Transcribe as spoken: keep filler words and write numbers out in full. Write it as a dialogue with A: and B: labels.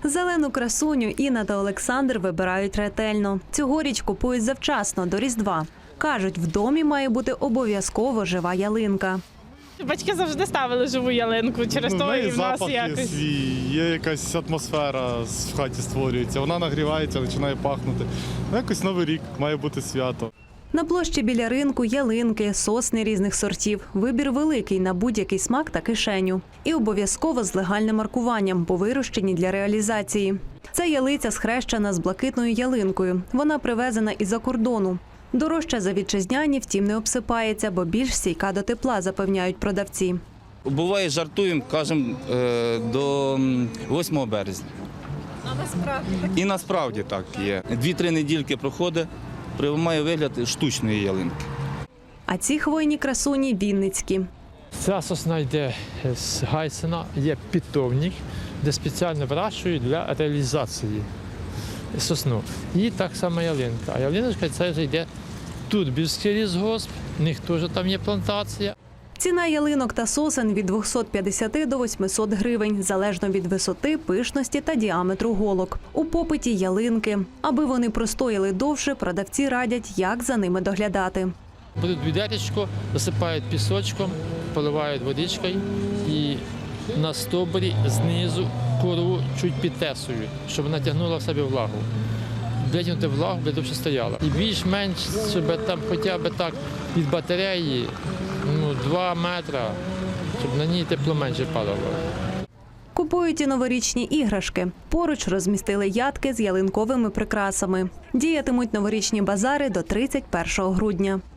A: Зелену красуню Інна та Олександр вибирають ретельно. Цьогоріч купують завчасно, до Різдва. Кажуть, в домі має бути обов'язково жива ялинка.
B: Батьки завжди ставили живу ялинку, через
C: Ну,
B: то
C: в неї
B: і в нас
C: запах є
B: якось.
C: свій, є якась атмосфера в хаті створюється. Вона нагрівається, починає пахнути. Ну, якось Новий рік, має бути свято.
A: На площі біля ринку ялинки, сосни різних сортів. Вибір великий на будь-який смак та кишеню. І обов'язково з легальним маркуванням, бо вирощені для реалізації. Ця ялиця схрещена з блакитною ялинкою. Вона привезена із-за кордону. Дорожча за вітчизняні, втім, не обсипається, бо більш стійка до тепла, запевняють продавці.
D: Буває, жартуємо, кажемо, е, до восьмого березня.
B: А насправді?
D: І насправді так є. Дві-три недільки проходить, має вигляд штучної ялинки.
A: А ці хвойні красуні – вінницькі.
E: Ця сосна йде з Гайсена, є питомник, де спеціально вирощують для реалізації сосну. І так само ялинка. А ялиночка це вже йде тут Більський лісгосп, в них теж там є плантація.
A: Ціна ялинок та сосен від двохсот п'ятдесяти до восьмисот гривень, залежно від висоти, пишності та діаметру голок. У попиті ялинки. Аби вони простояли довше, продавці радять, як за ними доглядати.
E: Беруть відеречко, засипають пісочком, поливають водичкою і на стовбурі знизу кору чуть підтесують, щоб вона тягнула в себе влагу. Витягнути влагу, аби довше стояла. І більш-менш, щоб там хоча б так від батареї ну, два метри, щоб на ній тепло менше падало.
A: Купують і новорічні іграшки. Поруч розмістили ядки з ялинковими прикрасами. Діятимуть новорічні базари до тридцять першого грудня.